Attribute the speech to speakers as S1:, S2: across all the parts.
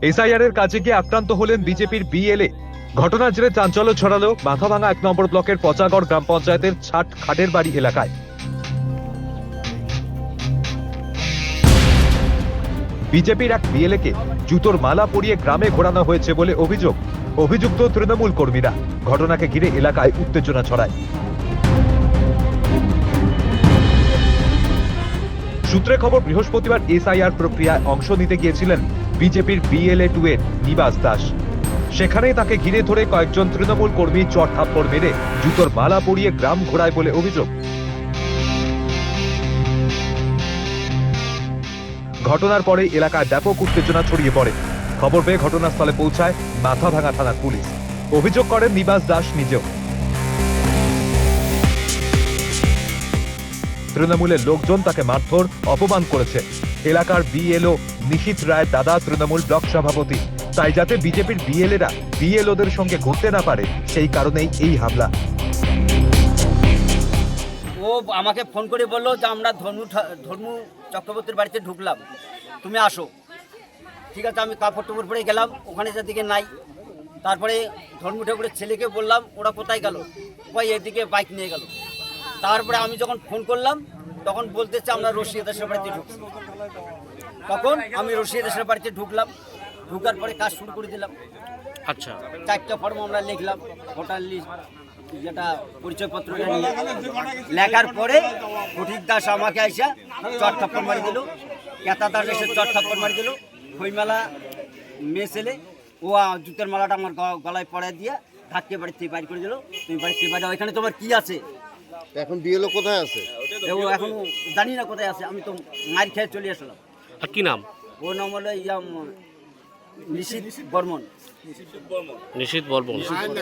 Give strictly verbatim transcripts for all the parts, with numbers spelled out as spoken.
S1: SIR এর কাজে গিয়ে আক্রান্ত হলেন বিজেপির বিএলএ। ঘটনার জেরে চাঞ্চল্য ছড়ালো মাথাভাঙা এক নম্বর ব্লকের পচাগড় গ্রাম পঞ্চায়েতের ছাট খাটের বাড়ি এলাকায়। বিজেপির এক বিএলএ কে জুতোর মালা পরিয়ে গ্রামে ঘোরানো হয়েছে বলে অভিযোগ। অভিযুক্ত তৃণমূল কর্মীরা। ঘটনাকে ঘিরে এলাকায় উত্তেজনা ছড়ায়। সূত্রে খবর, বৃহস্পতিবার এসআইআর প্রক্রিয়ায় অংশ নিতে গিয়েছিলেন বিজেপির বিএলএ টু এর নিবাস দাস। সেখানেই তাকে ঘিরে ধরে কয়েকজন তৃণমূল কর্মী চট থাপ্পড় মেরে জুতোর মালা পরিয়ে গ্রাম ঘোরায় বলে অভিযোগ। ঘটনার পরে এলাকায় ব্যাপক উত্তেজনা ছড়িয়ে পড়ে। খবর পেয়ে ঘটনাস্থলে পৌঁছায় মাথাভাঙা থানার পুলিশ। অভিযোগ করেন নিবাস দাস নিজেও। তৃণমূলের লোকজন তাকে মারধর অপমান করেছে। এলাকার বিএলও নিশীথ রায় দাদা তৃণমূল ব্লক সভাপতি, তাই যাতে বিজেপির বিএলএরা বিএলওদের সঙ্গে ঘুরতে না পারে সেই কারণেই এই হামলা।
S2: ও আমাকে ফোন করে বললো যে আমরা ধর্ম ধর্ম চক্রবর্তীর বাড়িতে ঢুকলাম, তুমি আসো। ঠিক আছে, আমি কাপড় টুপড় পরে গেলাম, ওখানে যাদিকে নাই। তারপরে ধর্ম ঠাকুরের ছেলেকে বললাম ওরা কোথায় গেল, ওই এদিকে বাইক নিয়ে গেল। তারপরে আমি যখন ফোন করলাম তখন বলতেছে আমরা রশিয়া দেশের বাড়িতে ঢুকছি। তখন আমি রশিয়া দেশের বাড়িতে ঢুকলাম, ঢুকার পরে কাজ শুরু করে দিলাম।
S3: আচ্ছা,
S2: চারটা ফর্ম আমরা লিখলাম, ভোটার লিস্ট যেটা পরিচয়পত্রটা নিয়ে লেখার পরে ফটিক দাস আমাকে আইসা চট থাপ্পড় মারি দিল, কেতা দাস এসে চট থাপ্পড় মারি দিল। খইমেলা মেয়ে ছেলে ও জুতের মালাটা আমার গলায় পড়ায় দিয়ে ধাক্কে বাড়িতে বাইর করে দিল। তুমি বাড়িতে বাইরে, এখানে তোমার কি আছে?
S4: এখন বিএলও কোথায় আছে?
S2: ও এখন জানি না কোথায় আছে, আমি তো মার খেয়ে চলে আসলাম।
S3: আর কি নাম?
S2: ও নাম হলো ইয়াম নিশীথ বর্মন।
S3: নিশীথ বর্মন,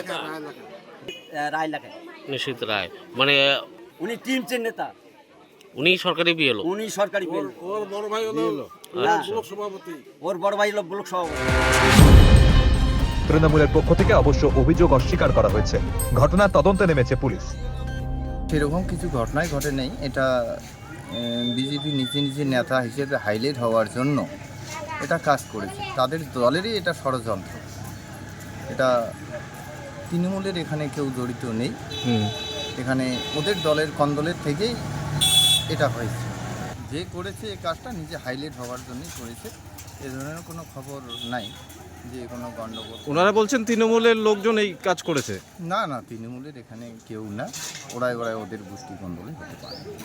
S2: রায় লেখায়
S3: নিশীথ রায়, মানে
S2: উনি টিম চেন নেতা,
S3: উনি সরকারি বিএলও।
S2: উনি সরকারি বিএলও।
S4: ওর বড় ভাই হলো ব্লক সভাপতি।
S2: ওর বড় ভাই হলো ব্লক সভাপতি।
S1: তৃণমূলের পক্ষ থেকে অবশ্য অভিযোগ অস্বীকার করা হয়েছে। ঘটনার তদন্তে নেমেছে পুলিশ।
S5: সেরকম কিছু ঘটনাই ঘটে নেই। এটা বিজেপি নিজে নিজে নেতা হিসেবে হাইলাইট হওয়ার জন্য এটা কাজ করেছে। তাদের দলেরই এটা ষড়যন্ত্র। এটা তৃণমূলের এখানে কেউ জড়িত নেই। এখানে ওদের দলের কন্দলের থেকেই এটা হয়েছে। যে করেছে এই কাজটা নিজে হাইলাইট হওয়ার জন্যই করেছে। এ ধরনের কোনো খবর নাই যে কোনো গণ্ডগোল।
S6: ওনারা বলছেন তৃণমূলের লোকজন এই কাজ করেছে।
S5: না না, তৃণমূলের এখানে কেউ না, ওরাই ওরাই ওদের গোষ্ঠী কন্দলে হতে পারে।